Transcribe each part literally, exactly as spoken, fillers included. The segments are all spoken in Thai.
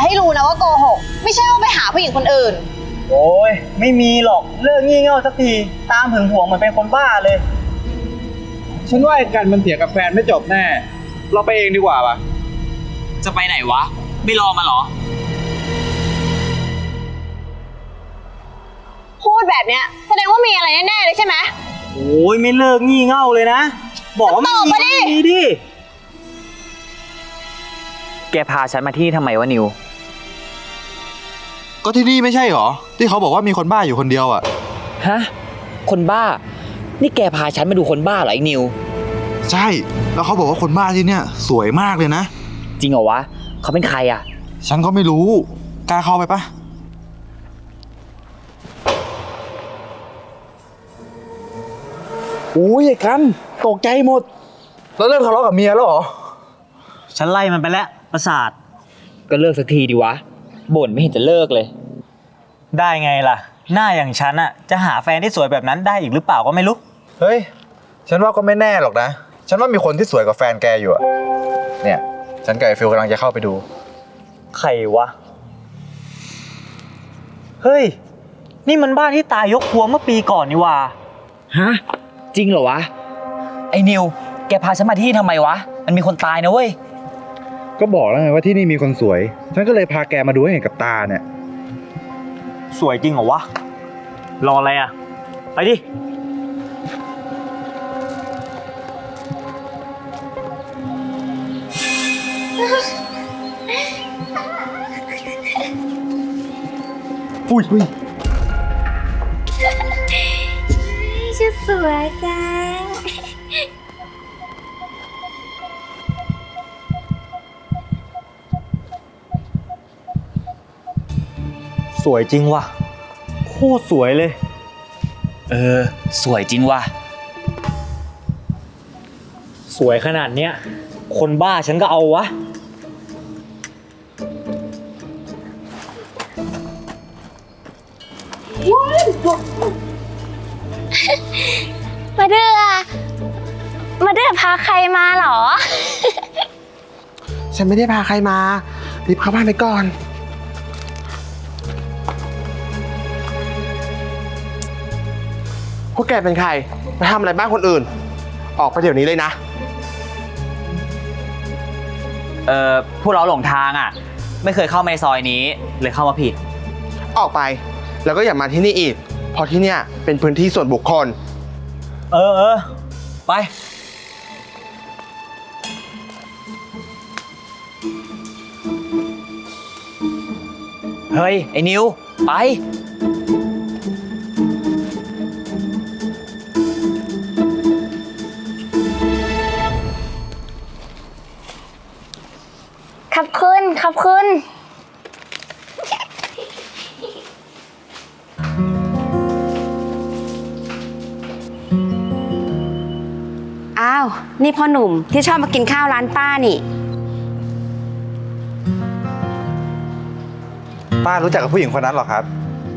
ให้รู้นะว่าโกหกไม่ใช่ว่าไปหาผู้หญิงคนอื่นโอ้ยไม่มีหรอกเลิกงี่เง่าสักทีตามหึงหวงเหมือนเป็นคนบ้าเลยฉันว่าไอ้กันมันเถียงกับแฟนไม่จบแน่เราไปเองดีกว่าป่ะจะไปไหนวะไม่รอมาหรอพูดแบบเนี้ยแสดงว่ามีอะไรแน่ๆเลยใช่ไหมโอ้ยไม่เลิกงี่เง่าเลยนะบอกว่าไม่มีก็มีดิแกพาฉันมาที่นี่ทำไมวะนิวก็ที่นี่ไม่ใช่หรอที่เขาบอกว่ามีคนบ้าอยู่คนเดียวอ่ะฮะคนบ้านี่แกพาฉันมาดูคนบ้าเหรอไอ้นิวใช่แล้วเขาบอกว่าคนบ้าที่เนี่ยสวยมากเลยนะจริงเหรอวะเขาเป็นใครอ่ะฉันก็ไม่รู้กล้าเข้าไปปะโอ้ยไอ้กันตกใจหมดแล้วเริ่มทะเลาะกับเมียแล้วเหรอฉันไล่มันไปแล้วประสาทก็เลิกสักทีดีวะบ่นไม่เห็นจะเลิกเลยได้ไงล่ะหน้าอย่างฉันอะจะหาแฟนที่สวยแบบนั้นได้อีกหรือเปล่าก็ไม่รู้เฮ้ยฉันว่าก็ไม่แน่หรอกนะฉันว่ามีคนที่สวยกว่าแฟนแกอยู่อะเนี่ยฉันกับไอ้ฟิลกำลังจะเข้าไปดูใครวะเฮ้ยนี่มันบ้านที่ตายยกครัวเมื่อปีก่อนนี่ว่าฮะจริงเหรอวะไอ้นิวแกพาฉันมาที่นี่ทำไมวะมันมีคนตายนะเว้ยก็บอกแล้วไงว่าที่นี่มีคนสวยฉันก็เลยพาแกมาดูให้เห็นกับตาเนี่ยสวยจริงเหรอวะรออะไรอ่ะไปดิอุ้ยอุ้ยชุดสวยจังสวยจริงว่ะโคตรสวยเลยเออสวยจริงว่ะสวยขนาดเนี้ยคนบ้าฉันก็เอาวะมาเดือมาเดือพาใครมาเหรอฉันไม่ได้พาใครมารีบเข้าบ้านไปก่อนพวกแกเป็นใครมาทำอะไรบ้านคนอื่นออกไปเดี๋ยวนี้เลยนะเออพวกเราหลงทางอ่ะไม่เคยเข้ามาในซอยนี้เลยเข้ามาผิดออกไปแล้วก็อย่ามาที่นี่อีกเพราะที่เนี่ยเป็นพื้นที่ส่วนบุคคลเออเออไปเฮ้ยไอ้นิวไปขอบคุณขอบคุณอ้าวนี่พ่อหนุ่มที่ชอบมากินข้าวร้านป้านี่ป้ารู้จักกับผู้หญิงคนนั้นหรอครับ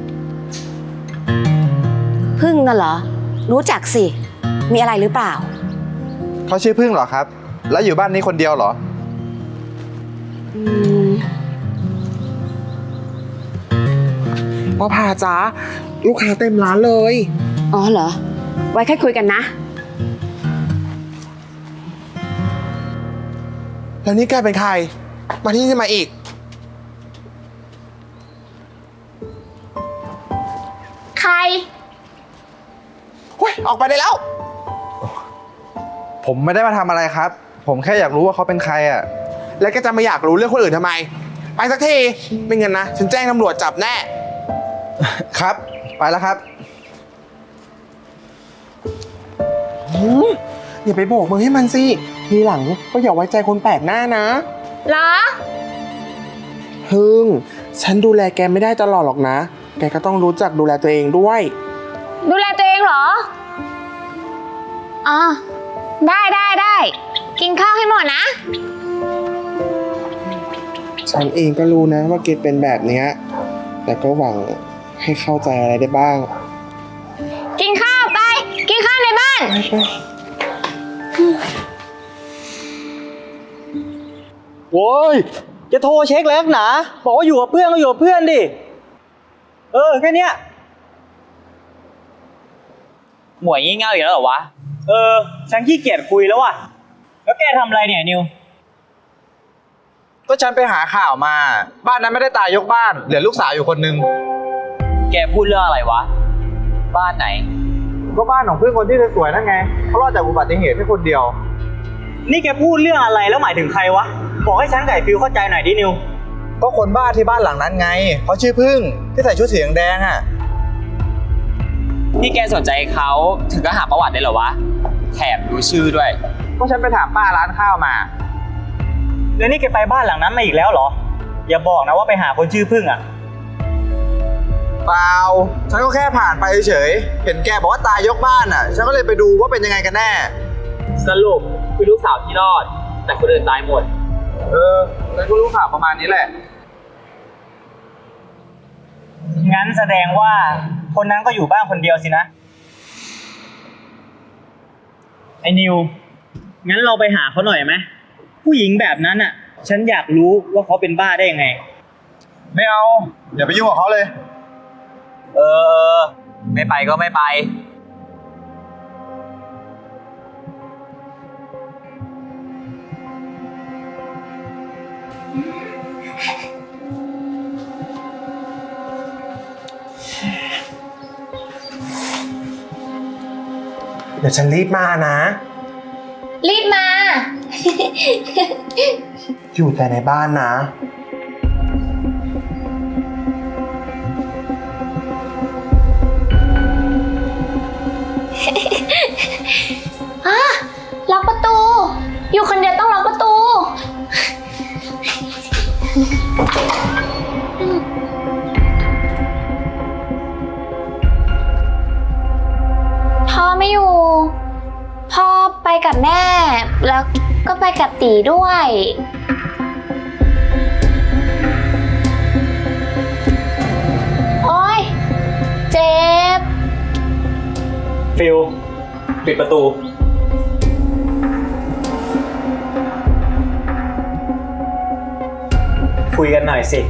พึ่งน่ะเหรอรู้จักสิมีอะไรหรือเปล่าเขาชื่อพึ่งเหรอครับแล้วอยู่บ้านนี้คนเดียวเหรออืมพ่อพาจ้าลูกค้าเต็มร้านเลยอ๋อเหรอไว้ค่อยคุยกันนะแล้วนี่แกเป็นใครมาที่นี่ทำไมอีกใครเฮ้ยออกไปได้แล้วผมไม่ได้มาทำอะไรครับผมแค่อยากรู้ว่าเขาเป็นใครอ่ะแล้วแกจะมาอยากรู้เรื่องคนอื่นทำไมไปสักทีไม่งั้นนะฉันแจ้งตำรวจจับแน่ครับไปแล้วครับอย่าไปโบกมือให้มันสิทีหลังก็อย่าไว้ใจคนแปลกหน้านะเหรอฮึ่งฉันดูแลแกไม่ได้ตลอดหรอกนะแกก็ต้องรู้จักดูแลตัวเองด้วยดูแลตัวเองเหรออ๋อได้ได้ได้กินข้าวให้หมดนะฉันเองก็รู้นะว่าเกดเป็นแบบนี้แต่ก็หวังให้เข้าใจอะไรได้บ้างกินข้าวไปกินข้าวในบ้านโว้ยจะโทรเช็คแล้วหนาบอกว่าอยู่กับเพื่อนก็อยู่กับเพื่อนดิ เออ แค่เนี้ยหมวยงี่เง่าอีกแล้วเหรอวะเออ ฉันขี้เกียจคุยแล้วว่ะ แล้วแกทำอะไรเนี่ยนิวก็ฉันไปหาข่าวมา บ้านนั้นไม่ได้ตายยกบ้าน เหลือลูกสาวอยู่คนนึงแกพูดเรื่องอะไรวะ บ้านไหนก็บ้านของเพื่อนคนที่สวยๆนั่นไงเขารอดจากอุบัติเหตุแค่คนเดียวนี่แกพูดเรื่องอะไรแล้วหมายถึงใครวะ บอกให้ฉันไก่ฟิวเข้าใจหน่อยดินิวก็คนบ้าที่บ้านหลังนั้นไงเขาชื่อพึ่งที่ใส่ชุดสีแดงๆอ่ะที่แกสนใจเขาถึงก็หาประวัติได้เหรอวะ แถมดูชื่อด้วยก็ฉันไปถามป้าร้านข้าวมาแล้วนี่แกไปบ้านหลังนั้นมาอีกแล้วเหรอ อย่าบอกนะว่าไปหาคนชื่อพึ่งอ่ะเปล่า ฉันก็แค่ผ่านไปเฉยๆเห็นแกบอกว่าตายยกบ้านอ่ะ ฉันก็เลยไปดูว่าเป็นยังไงกันแน่สรุปคือลูกสาวที่รอด แต่คนอื่นตายหมดเออฉันก็รู้ข่าวประมาณนี้แหละงั้นแสดงว่าคนนั้นก็อยู่บ้านคนเดียวสินะ ไอ้นิว งั้นเราไปหาเขาหน่อยไหม ผู้หญิงแบบนั้นอ่ะ ฉันอยากรู้ว่าเขาเป็นบ้าได้ยังไงไม่เอา อย่าไปยุ่งกับเขาเลยเออ ไม่ไปก็ไม่ไปเดี๋ยวฉันรีบมานะรีบมาอยู่แต่ในบ้านนะอ่ะล็อกประตู อยู่คนเดียวต้องล็อกประตู พ่อไม่อยู่ พ่อไปกับแม่ แล้วก็ไปกับตีด้วย โอ๊ย เจ็บฟิลปิดประตู คุยกันหน่อยสิ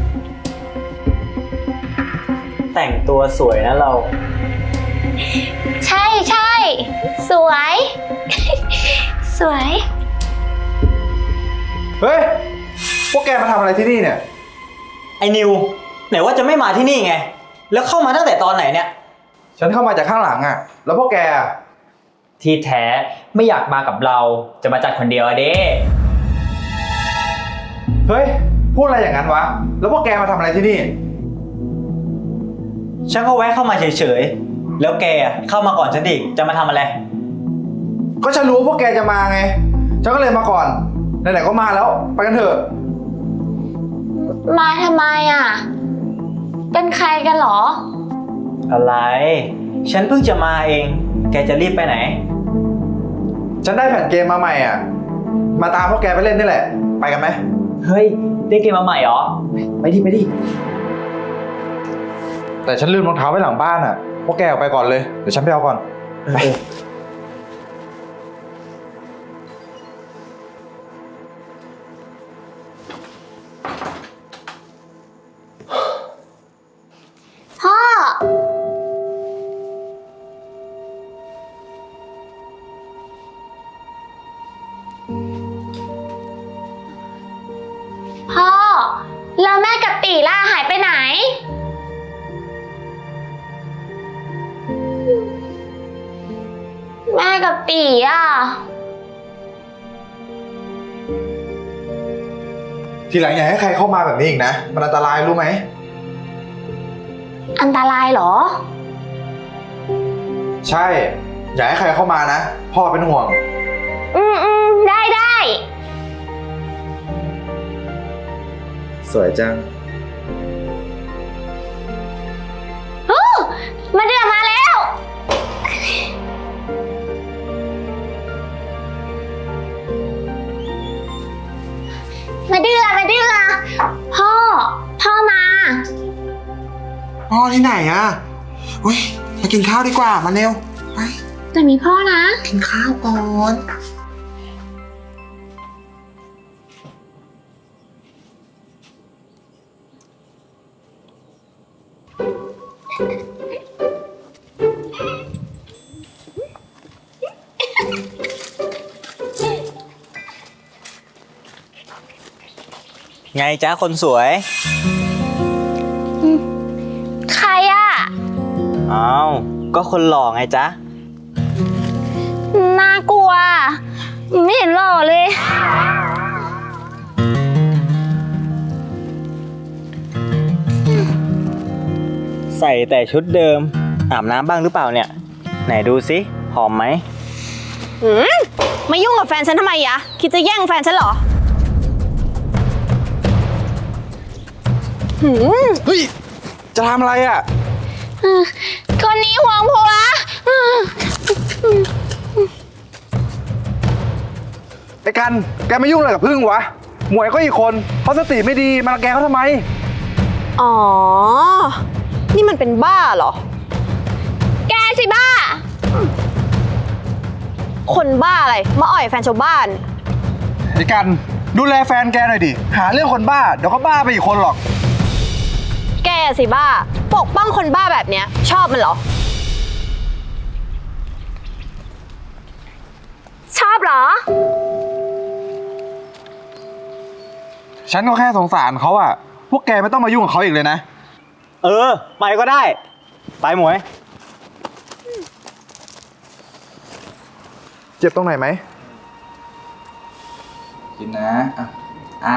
แต่งตัวสวยนะเราใช่ใช่ สวย สวยเฮ้ย พวกแกมาทำอะไรที่นี่เนี่ยไอ้นิว ไหนว่าจะไม่มาที่นี่ไง แล้วเข้ามาตั้งแต่ตอนไหนเนี่ยฉันเข้ามาจากข้างหลังอ่ะ แล้วพวกแกอะที่แท้ไม่อยากมากับเราจะมาจัดคนเดียวอะเด้เฮ้ย พูดอะไรอย่างนั้นวะ แล้วพวกแกมาทำอะไรที่นี่ฉันก็แวะเข้ามาเฉยๆ แล้วแกเข้ามาก่อนฉันอีกจะมาทำอะไรก็ฉันรู้ว่าพวกแกจะมาไง ฉันก็เลยมาก่อน ไหนๆก็มาแล้ว ไปกันเถอะมาทำไมอ่ะ เป็นใครกันเหรออะไร ฉันเพิ่งจะมาเอง แกจะรีบไปไหนฉันได้แผ่นเกมมาใหม่อ่ะ มาตามพวกแกไปเล่นนี่แหละ ไปกันไหมเฮ้ย ได้เกมมาใหม่เหรอไปดิไปดิ แต่ฉันลืมรองเท้าไว้หลังบ้านอ่ะ พวกแกออกไปก่อนเลย เดี๋ยวฉันไปเอาก่อน ไปพ่อ พ่อ แล้วแม่กับตีล่าหายไปไหน แม่กับตีอ่ะทีหลังอย่าให้ใครเข้ามาแบบนี้อีกนะ มันอันตรายรู้ไหมอันตรายเหรอใช่ อย่าให้ใครเข้ามานะ พ่อเป็นห่วงอืมอืมได้ได้สวยจังฮู้มาเดือมาแล้ว มาเดือมาเดือพ่อ พ่อมาพ่อที่ไหนอะอุ้ยมากินข้าวดีกว่า มาเร็ว ไปแต่มีพ่อนะกินข้าวก่อนพไงจ๊ะคนสวยใครอ่ะอ้าว ก็คนหล่อไงจ๊ะน่ากลัว ไม่เห็นหล่อเลยใส่แต่ชุดเดิม อาบน้ำบ้างหรือเปล่าเนี่ย ไหนดูสิหอมไหมหืมมายุ่งกับแฟนฉันทำไมยะ คิดจะแย่งแฟนฉันเหรอ หืมเฮ้ย จะทำอะไรอ่ะคนนี้ห่วงผัวไอ้กัน แกไม่ยุ่งอะไรกับพึ่งวะ หมวยก็อีกคนเขาสติไม่ดีมารังแกเขาทำไมอ๋อ นี่มันเป็นบ้าเหรอแกสิบ้าคนบ้าอะไร มาอ่อยแฟนชาวบ้านไอ้กัน ดูแลแฟนแกหน่อยดิ หาเรื่องคนบ้า เดี๋ยวก็บ้าไปอีกคนหรอกแกสิบ้า ปกป้องคนบ้าแบบเนี้ย ชอบมันเหรอชอบเหรอฉันก็แค่สงสารเขาอ่ะ พวกแกไม่ต้องมายุ่งกับเขาอีกเลยนะเออ ไปก็ได้ ไปหมวยเจ็บตรงไหนไหมกินนะอ่ะอ่า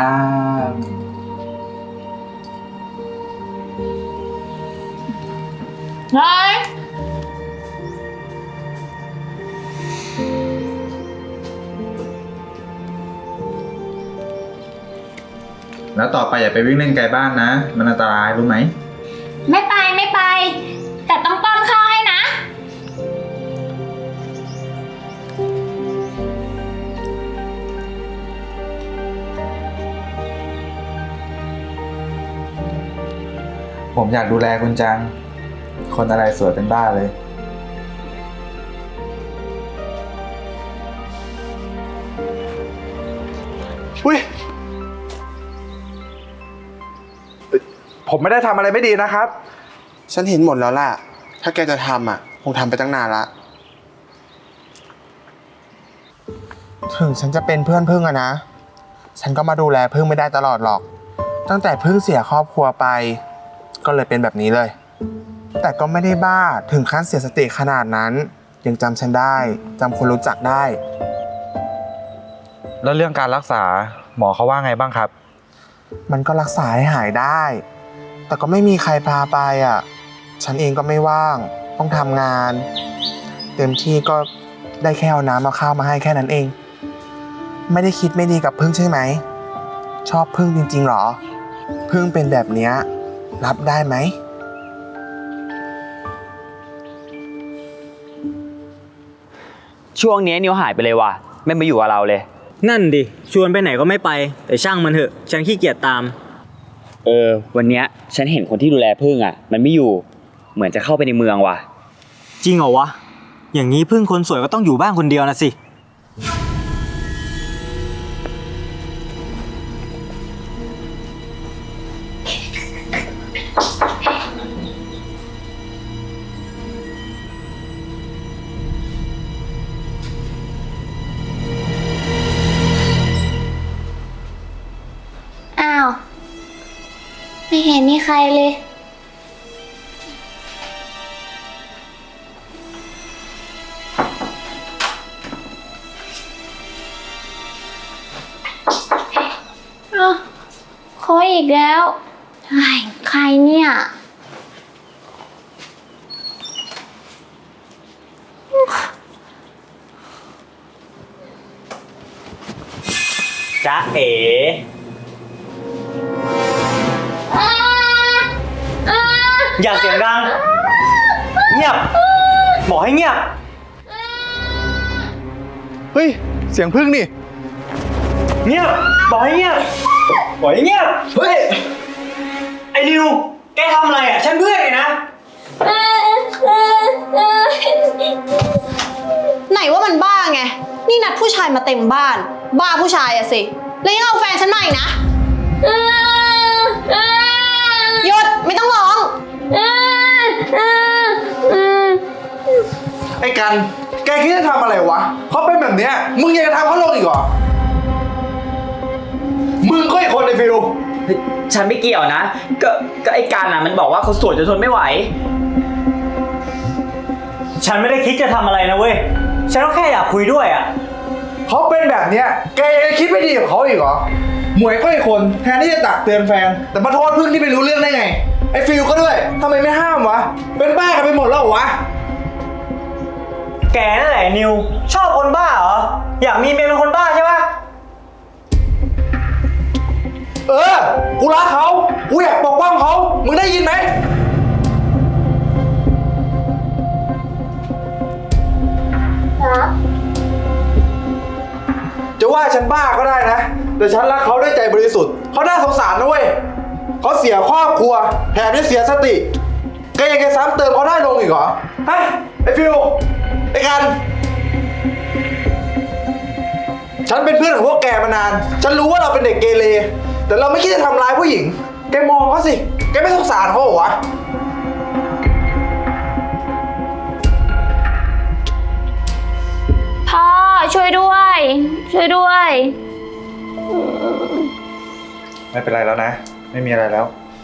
เฮ้ยแล้วต่อไปอย่าไปวิ่งเล่นไกลบ้านนะ มันอันตรายรู้ไหมไม่ไปไม่ไป แต่ต้องป้อนข้าวให้นะผมอยากดูแลคุณจัง คนอะไรสวยเป็นบ้าเลยอุ้ย ผมไม่ได้ทำอะไรไม่ดีนะครับฉันเห็นหมดแล้วล่ะ ถ้าแกจะทำอ่ะ คงทำไปตั้งนานละ ถึงฉันจะเป็นเพื่อนพึ่งอะนะ ฉันก็มาดูแลพึ่งไม่ได้ตลอดหรอก ตั้งแต่พึ่งเสียครอบครัวไป ก็เลยเป็นแบบนี้เลย แต่ก็ไม่ได้บ้าถึงขั้นเสียสติขนาดนั้น ยังจำฉันได้จำคนรู้จักได้แล้วเรื่องการรักษาหมอเขาว่าไงบ้างครับมันก็รักษาให้หายได้ แต่ก็ไม่มีใครพาไปอ่ะ ฉันเองก็ไม่ว่าง ต้องทำงาน เต็มที่ก็ได้แค่เอาน้ำเอาข้าวมาให้แค่นั้นเอง ไม่ได้คิดไม่ดีกับพึ่งใช่ไหม ชอบพึ่งจริงๆหรอ พึ่งเป็นแบบเนี้ยรับได้ไหมช่วงนี้นิวหายไปเลยว่ะ ไม่มาอยู่กับเราเลยนั่นดิ ชวนไปไหนก็ไม่ไป แต่ช่างมันเถอะ ฉันขี้เกียจตามเออ วันเนี้ยฉันเห็นคนที่ดูแลพึ่งอ่ะ มันไม่อยู่ เหมือนจะเข้าไปในเมืองว่ะจริงเหรอวะ อย่างนี้พึ่งคนสวยก็ต้องอยู่บ้านคนเดียวนะสิอ้าว ไม่เห็นมีใครเลย อ้าวขออีกแล้วไอ้ใครเนี่ยจ๊ะเอ๋ อย่าเสียงดัง เงียบ บอกให้เงียบเฮ้ย เสียงพึ่งนี่เงียบ บอกให้เงียบ บอกให้เงียบ เฮ้ย ไอ้นิว แกทำอะไรอ่ะ ฉันเพื่อนเลยนะไหนว่ามันบ้าไง นี่นัดผู้ชายมาเต็มบ้าน บ้าผู้ชายอะสิ แล้วยังเอาแฟนฉันมาอีกนะ หยุด ไม่ต้องร้องกัน แกคิดจะทำอะไรวะ เขาเป็นแบบเนี้ย มึงยังจะทำเขาลงอีกเหรอ มึงก็อีกคนในฟิลเฮ้ยฉันไม่เกี่ยวนะ ก็ก็ไอ้การอ่ะมันบอกว่าเขาสวยจนทนไม่ไหวฉันไม่ได้คิดจะทำอะไรนะเว้ย ฉันก็แค่อยากคุยด้วยอ่ะเขาเป็นแบบเนี้ย แกยังคิดไม่ดีกับเขาอีกเหรอ หมวยก็อีกคน แทนที่จะตักเตือนแฟน แต่มาโทษพึ่งที่ไม่รู้เรื่องได้ไง ไอ้ฟิลก็ด้วยทำไมไม่ห้ามวะ เป็นบ้ากันไปหมดแล้วเหรอวะแกนั่นแหละนิว ชอบคนบ้าเหรอ อยากมีเมียเป็นคนบ้าใช่ปะเออ กูรักเขา กูอยากปกป้องเขา มึงได้ยินไหมรักจะว่าฉันบ้าก็ได้นะ แต่ฉันรักเขาด้วยใจบริสุทธิ์ เขาน่าสงสารนะเว้ย เขาเสียครอบครัว แถมยังเสียสติแกยังจะซ้ำเติมเขาได้ลงอีกเหรอ ฮะ ไอ้ฟิว ไอ้กัน ฉันเป็นเพื่อนของพวกแกมานาน ฉันรู้ว่าเราเป็นเด็กเกเร แต่เราไม่คิดจะทำร้ายผู้หญิง แกมองเขาสิ แกไม่สงสารเขาเหรอวะพ่อช่วยด้วย ช่วยด้วยไม่เป็นไรแล้วนะ ไม่มีอะไรแล้ว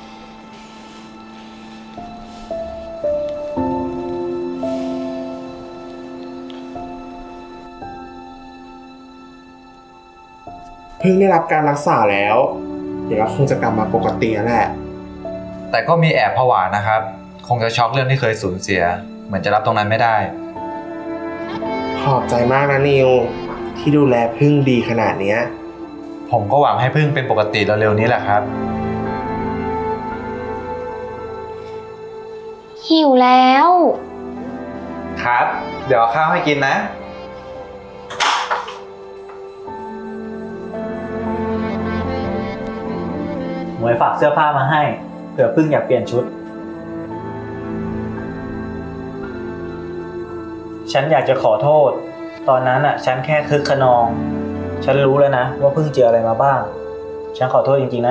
เพิ่งได้รับการรักษาแล้ว เดี๋ยวก็คงจะกลับมาปกติแล้วแหละแต่ก็มีแอบผวานะครับ คงจะช็อกเรื่องที่เคยสูญเสีย เหมือนจะรับตรงนั้นไม่ได้ขอบใจมากนะนิว ที่ดูแลพึ่งดีขนาดเนี้ยผมก็หวังให้พึ่งเป็นปกติเร็วๆนี้แหละครับหิวแล้วครับ เดี๋ยวเอาข้าวให้กินนะหมวยฝากเสื้อผ้ามาให้ เผื่อพึ่งอยากเปลี่ยนชุด ฉันอยากจะขอโทษ ตอนนั้นอ่ะ ฉันแค่คึกขนอง ฉันรู้แล้วนะว่าพึ่งเจออะไรมาบ้าง ฉันขอโทษจริงๆนะ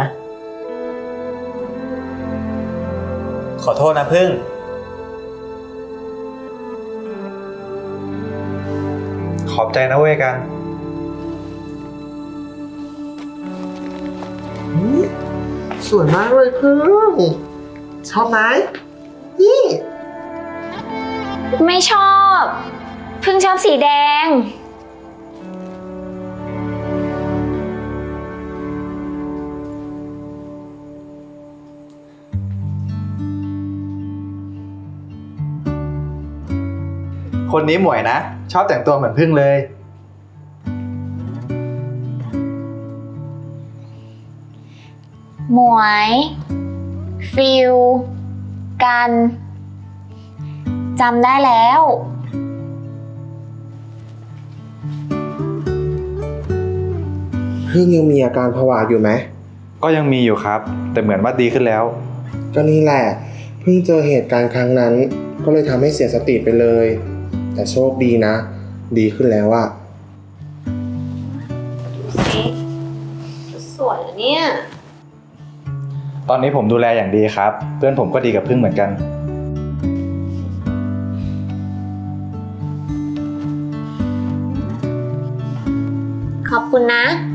ขอโทษนะพึ่งขอบใจนะเว้ยกันสวยมากเลยพึ่ง ชอบไหมนี่ไม่ชอบ เพิ่งชอบสีแดงคนนี้หมวยนะ ชอบแต่งตัวเหมือนพึ่งเลยหมวย ฟิล กันจำได้แล้วพึ่งยังมีอาการผวาอยู่ไหมก็ยังมีอยู่ครับ แต่เหมือนว่าดีขึ้นแล้วก็นี่แหละ เพิ่งเจอเหตุการณ์ครั้งนั้น ก็เลยทำให้เสียสติไปเลย แต่โชคดีนะ ดีขึ้นแล้วอะสวยนะเนี่ยตอนนี้ผมดูแลอย่างดีครับ เพื่อนผมก็ดีกับพึ่งเหมือนกันขอบคุณนะ